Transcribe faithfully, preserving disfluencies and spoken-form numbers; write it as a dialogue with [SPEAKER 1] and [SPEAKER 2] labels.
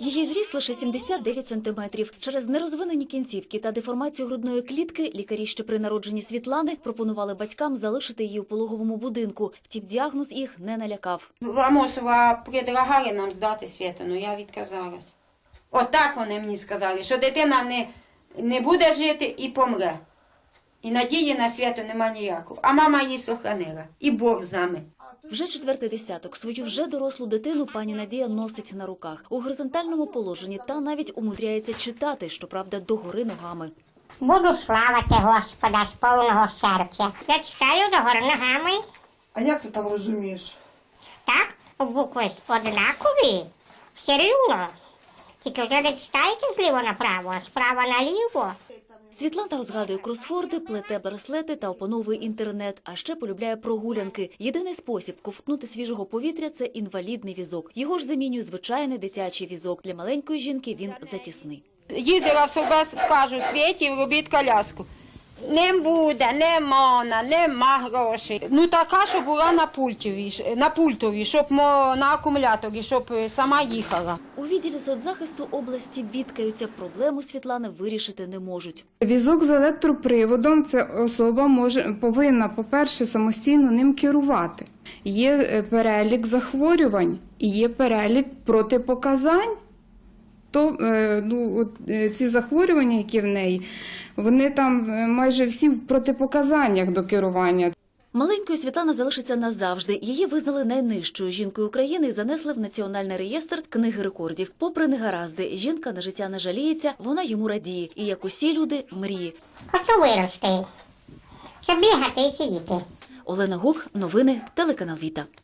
[SPEAKER 1] Її зріст лише сімдесят дев'ять сантиметрів. Через нерозвинені кінцівки та деформацію грудної клітки лікарі ще при народженні Світлани пропонували батькам залишити її у пологовому будинку. Втім, діагноз їх не налякав.
[SPEAKER 2] В Амосова предлагали нам здати Світу, але я відказалась. Отак вони мені сказали, що дитина не, не буде жити і помре. І надії на Світу нема ніякого. А мама її сохранила. І Бог з нами.
[SPEAKER 1] Вже четвертий десяток. Свою вже дорослу дитину пані Надія носить на руках. У горизонтальному положенні та навіть умудряється читати, щоправда, догори ногами.
[SPEAKER 3] Буду славити Господа з повного серця. Я читаю догори ногами.
[SPEAKER 4] А як ти там розумієш?
[SPEAKER 3] Так, букви однакові, все рівно. Тільки вже не читайте зліво направо, а справа наліво.
[SPEAKER 1] Світлана розгадує кросворди, плете браслети та опановує інтернет, а ще полюбляє прогулянки. Єдиний спосіб ковтнути свіжого повітря – це інвалідний візок. Його ж замінює звичайний дитячий візок. Для маленької жінки він затісний.
[SPEAKER 2] Їздила в Совбез, кажуть, Світі, робіть коляску. Не буде, не можна, нема грошей. Ну така, щоб була на пультові, на пультові, щоб на акумуляторі, щоб сама їхала.
[SPEAKER 1] У відділі соцзахисту області бідкаються, проблему Світлани вирішити не можуть.
[SPEAKER 5] Візок з електроприводом – це особа може, повинна, по-перше, самостійно ним керувати. Є перелік захворювань і є перелік протипоказань. То, ну, от, ці захворювання, які в неї, вони там майже всі в протипоказаннях до керування.
[SPEAKER 1] Маленькою Світлана залишиться назавжди. Її визнали найнижчою жінкою України і занесли в Національний реєстр книги рекордів. Попри негаразди, жінка на життя не жаліється, вона йому радіє. І, як усі люди, мріє.
[SPEAKER 3] Хочу вирости, щоб бігати і сидіти.
[SPEAKER 1] Олена Гук, новини, телеканал Віта.